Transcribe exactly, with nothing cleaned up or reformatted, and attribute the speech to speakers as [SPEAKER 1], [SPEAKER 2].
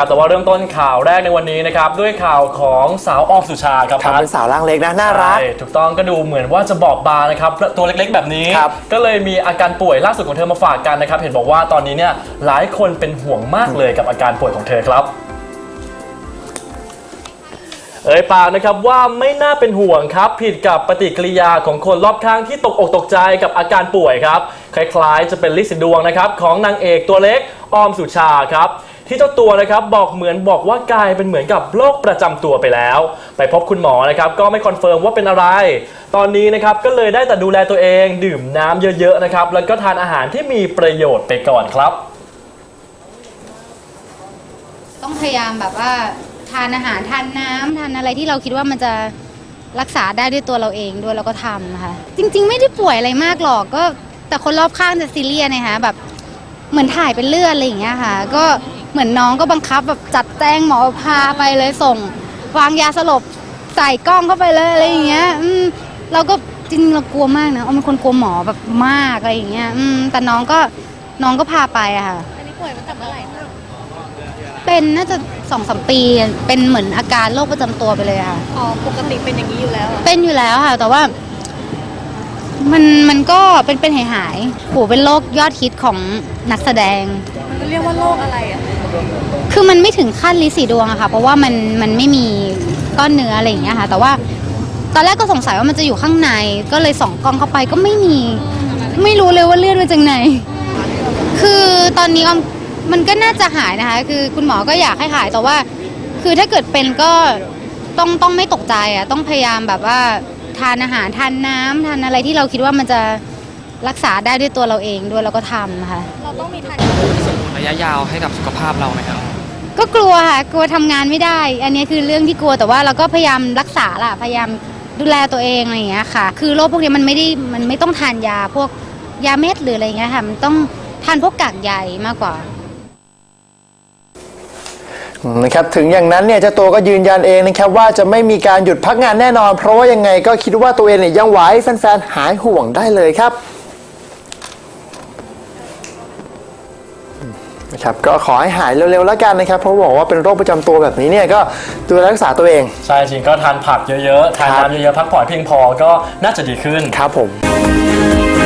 [SPEAKER 1] แต่ว่าเริ่มต้นข่าวแรกในวันนี้นะครับด้วยข่าวของสาวออมสุชาครับ
[SPEAKER 2] เป็นสาวร่างเล็กนะน่ารัก
[SPEAKER 1] ถูกต้องก็ดูเหมือนว่าจะบอกบางนะครับตัวเล็กๆแบบนี้ก็เลยมีอาการป่วยล่าสุดของเธอมาฝากกันนะครับเห็นบอกว่าตอนนี้เนี่ยหลายคนเป็นห่วงมากเลยกับอาการป่วยของเธอครับเอ่ยปากนะครับว่าไม่น่าเป็นห่วงครับผิดกับปฏิกิริยาของคนรอบข้างที่ตกอกตกใจกับอาการป่วยครับคล้ายๆจะเป็นลิสิดวงนะครับของนางเอกตัวเล็กออมสุชาครับที่เจ้าตัวนะครับบอกเหมือนบอกว่ากลายเป็นเหมือนกับโรคประจำตัวไปแล้วไปพบคุณหมอนะครับก็ไม่คอนเฟิร์มว่าเป็นอะไรตอนนี้นะครับก็เลยได้แต่ดูแลตัวเองดื่มน้ำเยอะๆนะครับแล้วก็ทานอาหารที่มีประโยชน์ไปก่อนครับ
[SPEAKER 3] ต้องพยายามแบบว่าทานอาหารทานน้ำทานอะไรที่เราคิดว่ามันจะรักษาได้ด้วยตัวเราเองด้วยเราก็ทำค่ะจริงๆไม่ได้ป่วยอะไรมากหรอกก็แต่คนรอบข้างจะซีเรียสนะคะแบบเหมือนถ่ายเป็นเลือดอะไรอย่างเงี้ยค่ะก็เหมือนน้องก็บังคับแบบจัดแจงหมอพาไปเลยส่งวางยาสลบใส่กล้องเข้าไปเลยอะไรอย่างเงี้ยอืมเราก็จริงเรากลัวมากนะเอาเป็นคนกลัวหมอแบบมากอะไรอย่างเงี้ยอืมแต่น้องก็น้องก็พาไปอะค่ะอันนี้ป่วยมาจากเมื่อไหร่คะเป็นน่าจะสองสามปีเป็นเหมือนอาการโรคประจำตัวไปเลยค่ะ
[SPEAKER 4] อ๋อปกติเป็นอย่างนี้อยู่แล้ว
[SPEAKER 3] เป็นอยู่แล้วค่ะแต่ว่ามันมันก็เป็นเป็นหายหายโหเป็นโรคยอดฮิตของนักแสดง
[SPEAKER 4] มันเรียกว่าโรคอะไรอ่ะ
[SPEAKER 3] คือมันไม่ถึงขั้นลิสีดวงอะค่ะเพราะว่ามันมันไม่มีก้อนเนื้ออะไรอย่างเงี้ยค่ะแต่ว่าตอนแรกก็สงสัยว่ามันจะอยู่ข้างในก็เลยส่องกล้องเข้าไปก็ไม่มีไม่รู้เลยว่าเลือดมาจากไหนคือตอนนี้ออมมันก็น่าจะหายนะคะคือคุณหมอก็อยากให้หายแต่ว่าคือถ้าเกิดเป็นก็ต้องต้องไม่ตกใจอ่ะต้องพยายามแบบว่าทานอาหารทานน้ำทานอะไรที่เราคิดว่ามันจะรักษาได้ด้วยตัวเราเองด้วยเราก็ทำนะคะ
[SPEAKER 4] เราต้องมีทาน
[SPEAKER 5] ส่งผลระยะยาวให้กับสุขภาพเราไหมครับ
[SPEAKER 3] ก็กลัวค่ะกลัวทำงานไม่ได้อันนี้คือเรื่องที่กลัวแต่ว่าเราก็พยายามรักษาล่ะพยายามดูแลตัวเองอะไรอย่างเงี้ยค่ะคือโรคพวกนี้มันไม่ได้มันไม่ต้องทานยาพวกยาเม็ดหรืออะไรอย่างเงี้ยค่ะมันต้องทานพวกกากใยมากกว่า
[SPEAKER 2] นะครับถึงอย่างนั้นเนี่ยเจ้าตัวก็ยืนยันเองนะครับว่าจะไม่มีการหยุดพักงานแน่นอนเพราะว่ายังไงก็คิดว่าตัวเองเนี่ยยังไหวแฟนๆหายห่วงได้เลยครับนะครับก็ขอให้หายเร็วๆแล้วกันนะครับเพราะบอกว่าเป็นโรคประจำตัวแบบนี้เนี่ยก็ดูแลรักษาตัวเอง
[SPEAKER 1] ใช่จริงก็ทานผักเยอะๆทานน้ำเยอะๆพักผ่อนเพียงพอก็น่าจะดีขึ้น
[SPEAKER 2] ครับผม